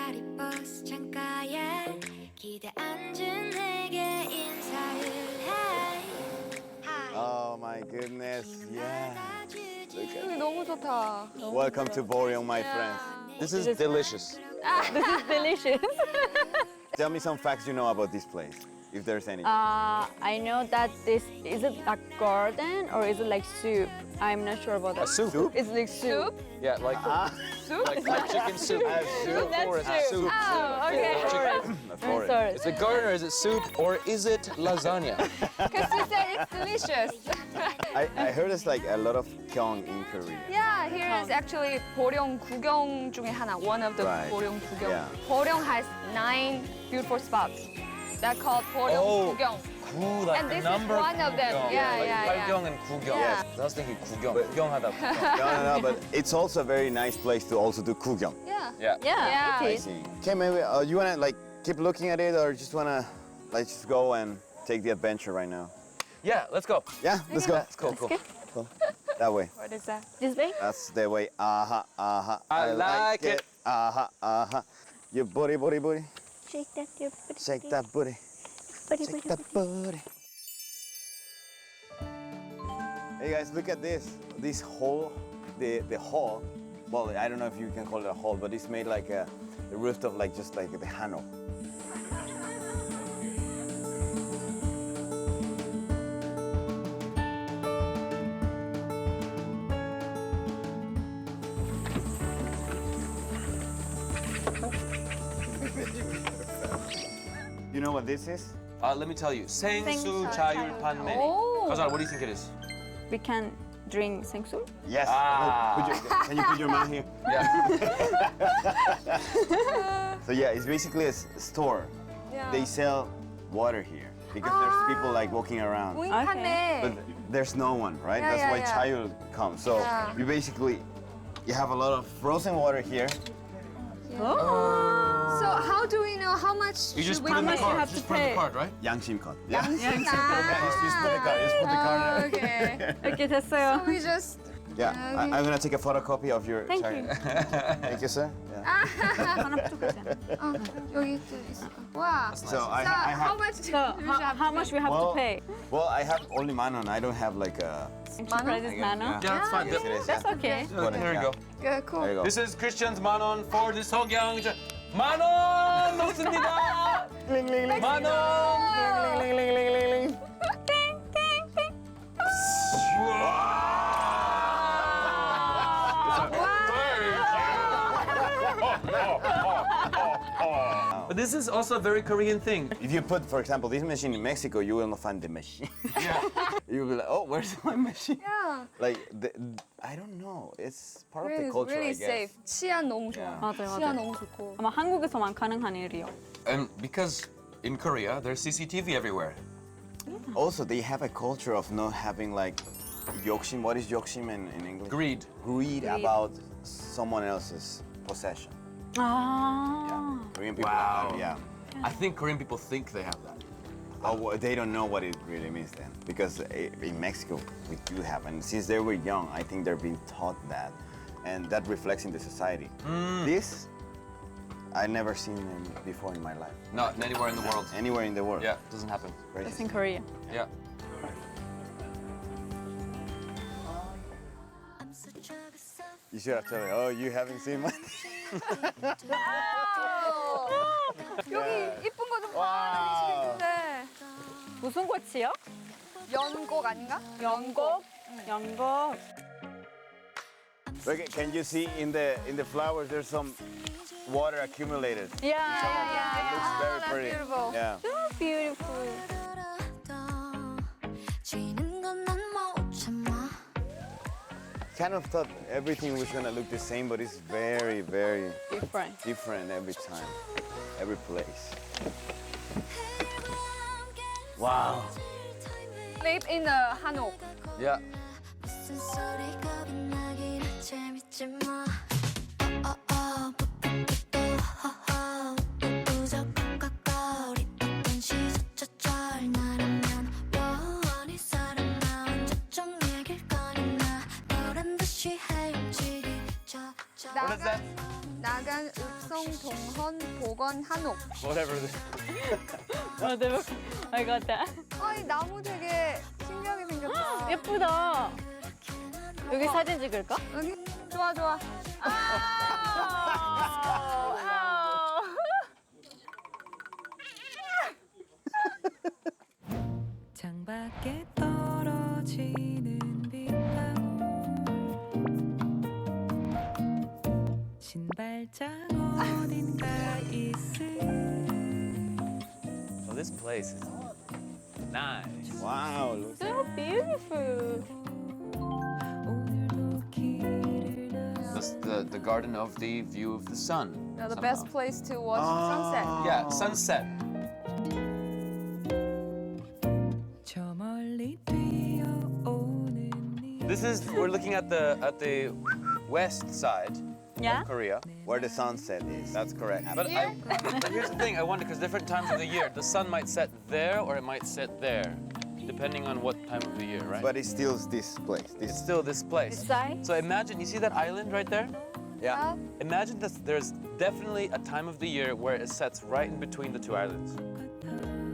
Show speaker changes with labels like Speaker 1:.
Speaker 1: 파리 버스 창가에 기대 앉은 내게 인사를 해.
Speaker 2: Oh my goodness, yeah. Look at
Speaker 3: 여기 너무 좋다.
Speaker 2: Welcome to Boryong, my friends.
Speaker 4: This is delicious.
Speaker 3: This is delicious.
Speaker 2: Tell me some facts you know about this place, if there's any.
Speaker 3: I know that this is it a garden or is it like soup? I'm not sure about that.
Speaker 4: A soup?
Speaker 3: It's like soup.
Speaker 4: Yeah, like
Speaker 3: Soup.
Speaker 4: like chicken soup.
Speaker 2: soup.
Speaker 3: That's
Speaker 4: Forest
Speaker 3: soup.
Speaker 4: soup.
Speaker 3: Oh, okay.
Speaker 4: Chicken.
Speaker 2: The
Speaker 3: I'm
Speaker 2: forest.
Speaker 3: sorry.
Speaker 4: Is it garden or is it soup or is it lasagna?
Speaker 3: Because you said it's delicious.
Speaker 2: I heard it's like a lot of kyung in Korea.
Speaker 3: Yeah, here is actually 보령 구경 중에 하나. One of the
Speaker 2: Right.
Speaker 3: 보령 구경.
Speaker 2: Yeah.
Speaker 3: 보령 has 9 beautiful spots. They're called 보령
Speaker 4: Oh.
Speaker 3: 구경.
Speaker 4: 구, like
Speaker 3: And this is
Speaker 4: number
Speaker 3: one of them.
Speaker 4: 구경.
Speaker 3: Yeah,
Speaker 4: like
Speaker 3: yeah, yeah.
Speaker 4: 팔경 and 구경.
Speaker 3: Yeah.
Speaker 4: I was thinking 구경. 구경하다 구경.
Speaker 2: No, but it's also a very nice place to also do kugyong.
Speaker 3: Yeah.
Speaker 4: Yeah.
Speaker 3: Yeah,
Speaker 2: I
Speaker 3: it is.
Speaker 2: see. Okay, maybe you wanna like keep looking at it, or just wanna like just go and take the adventure right now?
Speaker 4: Yeah, let's go.
Speaker 2: Yeah, let's go.
Speaker 4: That's cool, cool.
Speaker 2: Cool. That way.
Speaker 3: What is that? This way?
Speaker 2: That's the way.
Speaker 4: I like it.
Speaker 2: Your booty, booty, booty.
Speaker 3: Shake that your booty.
Speaker 2: Shake that booty. Shake that booty. Hey guys, look at this. This hole, the hall. Well, I don't know if you can call it a hall, but it's made like a the rooftop, like just like the Hanok. You know what this is?
Speaker 4: Let me tell you. 생수 자율 판매.
Speaker 3: Oh.
Speaker 4: Kazan, what do you think it is?
Speaker 3: We can drink 생수?
Speaker 2: Yes.
Speaker 4: Ah.
Speaker 2: Can you put your mouth here?
Speaker 4: Yeah.
Speaker 2: So yeah, it's basically a store.
Speaker 3: Yeah.
Speaker 2: They sell water here because there's people like walking around.
Speaker 3: 무인판매.
Speaker 2: But there's no one, right?
Speaker 3: Yeah,
Speaker 2: That's
Speaker 3: yeah,
Speaker 2: why
Speaker 3: yeah.
Speaker 2: Chayul comes. So
Speaker 3: Yeah.
Speaker 2: you basically, you have a lot of frozen water here.
Speaker 3: So how do we know how much
Speaker 4: You just
Speaker 3: should
Speaker 4: put
Speaker 3: we
Speaker 4: in the
Speaker 3: pay?
Speaker 4: card. Just put in the card, right?
Speaker 2: Yangshim cut. Yeah.
Speaker 3: Yeah,
Speaker 2: Just put the card. Just put the card.
Speaker 3: Okay. Okay, 됐어요. We just
Speaker 2: Yeah. I'm gonna take a photocopy of your.
Speaker 3: Thank
Speaker 2: Sorry.
Speaker 3: you.
Speaker 2: Thank you, sir. Yeah.
Speaker 3: 하나 부족하잖아. 여기 또 있어. 와.
Speaker 2: So I
Speaker 3: how
Speaker 2: have.
Speaker 3: much? How much we have
Speaker 2: Well,
Speaker 3: to pay?
Speaker 2: Well, I have only manon. I don't have like a.
Speaker 3: Price is
Speaker 2: Yeah.
Speaker 3: nano.
Speaker 4: Yeah, that's fine.
Speaker 2: Yes, it is.
Speaker 3: That's
Speaker 2: yeah.
Speaker 3: okay.
Speaker 4: Yeah, there you go.
Speaker 3: Good, cool.
Speaker 2: There you go.
Speaker 4: This is Christian's 만원 for this 석양. 만원 먹습니다. 만원. But this is also a very Korean thing.
Speaker 2: If you put, for example, this machine in Mexico, you will not find the machine.
Speaker 4: Yeah.
Speaker 2: You'll be like, oh, where's my machine?
Speaker 3: Yeah.
Speaker 2: Like, I don't know. It's part of
Speaker 3: Really,
Speaker 2: the culture,
Speaker 3: really
Speaker 2: I guess.
Speaker 3: safe. 치안 너무 좋아.
Speaker 2: Yeah.
Speaker 5: 맞아요,
Speaker 3: 치안
Speaker 5: 맞아요.
Speaker 3: 너무 좋고.
Speaker 5: 아마 한국에서만 가능한 일이요.
Speaker 4: And because in Korea, there's CCTV everywhere.
Speaker 2: Also, they have a culture of not having like 욕심. What is 욕심 in English?
Speaker 4: Greed.
Speaker 2: Greed about someone else's possession.
Speaker 5: 아.
Speaker 2: Korean people
Speaker 4: Wow.
Speaker 2: have that, yeah.
Speaker 4: I think Korean people think they have that.
Speaker 2: Oh, well, they don't know what it really means then. Because in Mexico, we do have. And since they were young, I think they're being taught that. And that reflects in the society. This, I never seen them before in my life.
Speaker 4: Not anywhere in the world.
Speaker 2: Anywhere in the world.
Speaker 4: Yeah, it doesn't happen.
Speaker 2: Crazy.
Speaker 5: That's in Korea.
Speaker 4: Yeah.
Speaker 2: You should have told me, oh, you haven't seen my...
Speaker 3: 여기 이쁜 거 좀
Speaker 2: Wow.
Speaker 3: 봐주시겠는데.
Speaker 5: 무슨 꽃이요?
Speaker 3: 연곡 아닌가?
Speaker 5: 연곡. 연곡.
Speaker 2: Look, can you see in the flowers, there's some water accumulated.
Speaker 5: Yeah.
Speaker 2: It looks very
Speaker 3: that's
Speaker 2: pretty.
Speaker 3: beautiful.
Speaker 2: Yeah.
Speaker 5: So beautiful.
Speaker 2: Kind of thought everything was gonna look the same, but it's very, very
Speaker 5: Different.
Speaker 2: different every time, every place. Wow.
Speaker 3: Made in 한옥.
Speaker 4: Yeah.
Speaker 1: 무슨 소리 겁이 나긴 해 재밌지 뭐 또 허허 우적 깍깍거리 어떤 시소처절 나라면 원이 사람 나 언제쯤 이길 거니 나 너란 듯이 헤엄치기
Speaker 4: What is that?
Speaker 6: 야간 읍성 동헌 보건 한옥.
Speaker 4: Whatever.
Speaker 3: Whatever. I got that.
Speaker 6: 이 나무 되게 신기하게 생겼다.
Speaker 3: 예쁘다. 여기 사진 찍을까?
Speaker 6: 여기 좋아 좋아.
Speaker 7: 창밖에 떨어지는 빗방울 신발장 어딘가 있을
Speaker 4: So this place is nice.
Speaker 2: Wow, look.
Speaker 3: So beautiful.
Speaker 7: 오늘도 길을 나
Speaker 4: The garden of the view of the sun.
Speaker 6: The best place to watch sunset.
Speaker 4: Yeah, sunset.
Speaker 7: 저 멀리 뛰어오는 이
Speaker 4: This is we're looking at the west side
Speaker 3: Yeah?
Speaker 4: of Korea.
Speaker 2: Where the sunset is. That's correct.
Speaker 4: But but here's the thing, I wonder because different times of the year, the sun might set there or it might set there, depending on what time of the year, right?
Speaker 2: But it's still this place.
Speaker 4: it's
Speaker 2: This.
Speaker 4: still this place.
Speaker 3: This side?
Speaker 4: So imagine, you see that island right there?
Speaker 2: Yeah.
Speaker 4: Imagine that there's definitely a time of the year where it sets right in between the two islands.
Speaker 7: 같아